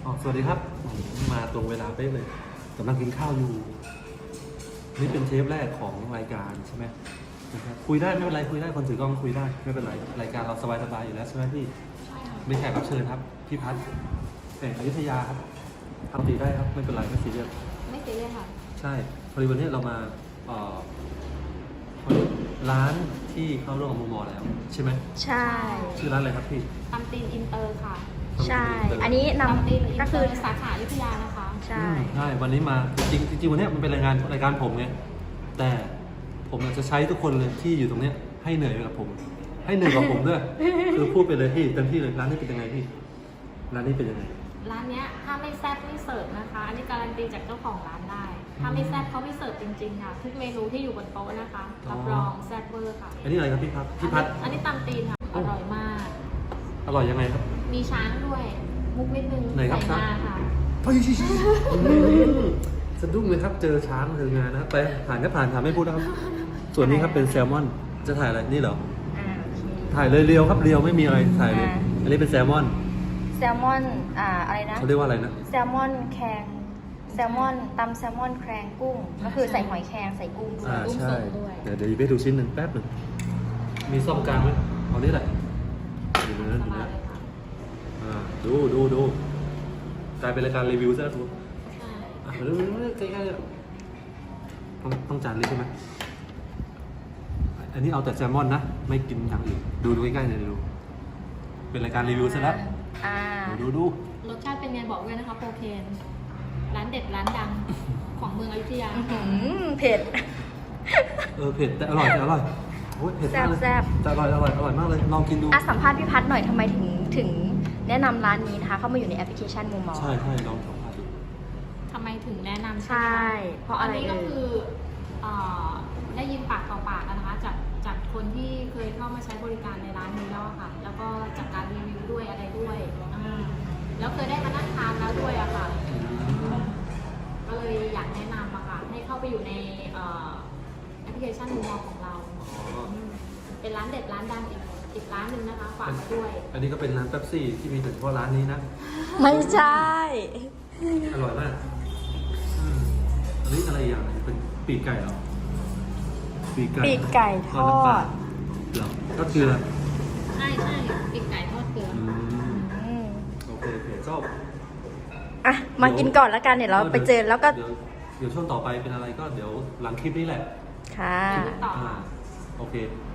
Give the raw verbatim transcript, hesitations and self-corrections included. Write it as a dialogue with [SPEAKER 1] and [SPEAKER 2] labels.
[SPEAKER 1] อ๋อสวัสดีครับมาตรงเวลาเป๊ะเลยกำลังกินข้าวอยู่นี่เป็นเทปแรกของรายการใช่ไหมนะครับคุยได้ไม่เป็นไรคุยได้คนถือกล้องคุยได้ไม่เป็นไรรายการเราสบายๆอยู่แล้วใช่ไหมพี่ใช่ค่ะไม่แขกรับเชิญครับพี่พัฒน์แห่งอยุธยาครับทำดีได้ครับไม่เป็นไรไม่ซีเรียส
[SPEAKER 2] ไม่ซีเรียสค่ะ
[SPEAKER 1] ใช่พอดีวันนี้เรามาเอ่อร้านที่เข้าร่วมกับมูมอแล้วใช่ไหม
[SPEAKER 3] ใช่
[SPEAKER 1] ชื่อร้านอะไรครับพี่
[SPEAKER 2] ตำตีนอินเตอร์ค่ะ
[SPEAKER 3] ใช่อันนี้น
[SPEAKER 2] ตำตีนอิ
[SPEAKER 3] ำ
[SPEAKER 2] น
[SPEAKER 3] ก็
[SPEAKER 2] เต
[SPEAKER 3] คือ
[SPEAKER 2] ร์สาขาอยุธยานะคะ
[SPEAKER 3] ใช่
[SPEAKER 1] ใช่วันนี้มาจริงจริงวันนี้มันเป็นรายงานรายการผมไงแต่ผมอยากจะใช้ทุกคนเลยที่อยู่ตรงเนี้ยให้เหนื่อยไปกับผม ให้เหนื่อยกับผมด้วย คือพูดไปเลยพี่เต็มที่เลยร้านนี้เป็นยังไงพี่ร้านนี้เป็นยังไง
[SPEAKER 2] ร้านเนี้ยถ้าไม่แซ่บไม่เสิร์ฟนะคะอันนี้การันตีจากเจ้าของร้านได้ถ้าไม่แซ่บเขาไม่เสิร์ฟจริงๆค่ะทุกเมนูที่อยู่บนโต๊ะนะคะรับรองแซ่บเวอร์ค่ะ
[SPEAKER 1] อันนี้อะไรครับพี่ครับพี่พัด
[SPEAKER 2] อันนี้ตำตีนค่ะอร่อยมาก
[SPEAKER 1] อร่อยยังไงครับ
[SPEAKER 2] มีช้างด้วยมุกนิดนึง
[SPEAKER 1] ใส่มาค่ะเฮ้ยสะดุ้งเลยครับเจอช้างเจองานนะครับไปผ่านก็ผ่านถามไม่พูดนะครับส่วนนี้ครับเป็นแซลมอนจะถ่ายอะไรนี่เหรอถ่ายเลยเรียวครับเรียวไม่มีอะไรถ่ายเลยอันนี้เป็นแซลมอน
[SPEAKER 3] แซลมอนอ่าอะไรนะ
[SPEAKER 1] เขาเรียกว่าอะไรนะ
[SPEAKER 3] แซลมอนแครงแซลมอนตำแซลมอนแครงกุ้งก็คือใส่หอยแครงใส่กุ้งด้วย
[SPEAKER 1] อ่าใช่เดี๋ยวเดี๋ยวไปดูชิ้นหนึ่งแป๊บหนึ่งมีซ่อมกลางไหมเอานี่แหละดูเนื้อดูเนื้ออ่าดูดูดูกลายเป็นรายการรีวิวซะทุกอ่ะเร็วๆใกล้ๆเลยต้องต้องจานนี้ใช่ไหมอันนี้เอาแต่แซลมอนนะไม่กินอย่างอื่นดูดูใกล้ๆเลยดูเป็นรายการรีวิวซะแล้วดูดู
[SPEAKER 2] รสชาติเป็นไงบอกด้วยนะคะโปรเคนร้านเด็ดร้านดังของเมืองอยุธยา
[SPEAKER 3] เผ็ด
[SPEAKER 1] เออเผ็ดแต่อร่อยแต่อร่อยโอ้ยเผ็ดมากเลยแซ่บแต่อร่อยอร่อยอร่อยมากเลยลองกินดู
[SPEAKER 3] อ่ะสัมภาษณ์พี่พัฒน์หน่อยทำไมถึงถึงแนะนำร้านนี้นะคะเข้ามาอยู่ในแอปพลิเคชันมูมอ
[SPEAKER 1] ใช่ใช่ลองสัมภาษณ์ดู
[SPEAKER 2] ทำไมถึงแนะนำ
[SPEAKER 3] ใช่เพราะอะไร
[SPEAKER 2] อันนี้ก็คือได้ยินปากต่อปากนะคะจากจากคนที่เคยเข้ามาใช้บริการในร้านนี้แล้วค่ะแล้วก็จากการรีวิวด้วยอะไรด้วยแล้วเคยได้มานั่งทานแล้วด้วยอะค่ะก็เลยอยากแนะนำอะค่ะให้เข้าไปอยู่ในแอปพลิเคชันมูมอของเราเป็นร้านเด็ดร้านดังอีกอีกร้านหนึ่งนะคะฝากมาด้วย
[SPEAKER 1] อันนี้ก็เป็นร้านเป๊ปซี่ที่มีเฉพาะร้านนี้นะ
[SPEAKER 3] ไม่ใช่
[SPEAKER 1] อร่อยมากอันนี้อะไรอย่างเป็นปีกไก่เหรอ
[SPEAKER 3] ปีกไก่ปีกไก่ทอด
[SPEAKER 1] เหรอทอดเกลือ
[SPEAKER 2] ใช่ใช่ปีกไก่ทอดเกลือ
[SPEAKER 1] โอเคโอเคชอบ
[SPEAKER 3] อ่ะมากินก่อนแล้วกันเดี๋ยวเราไปเจอแล้วก็
[SPEAKER 1] เดี๋ยวเดี๋ยวช่วงต่อไปเป็นอะไรก็เดี๋ยวหลังคลิปนี้แหละ
[SPEAKER 3] ค่ะ
[SPEAKER 1] โอเค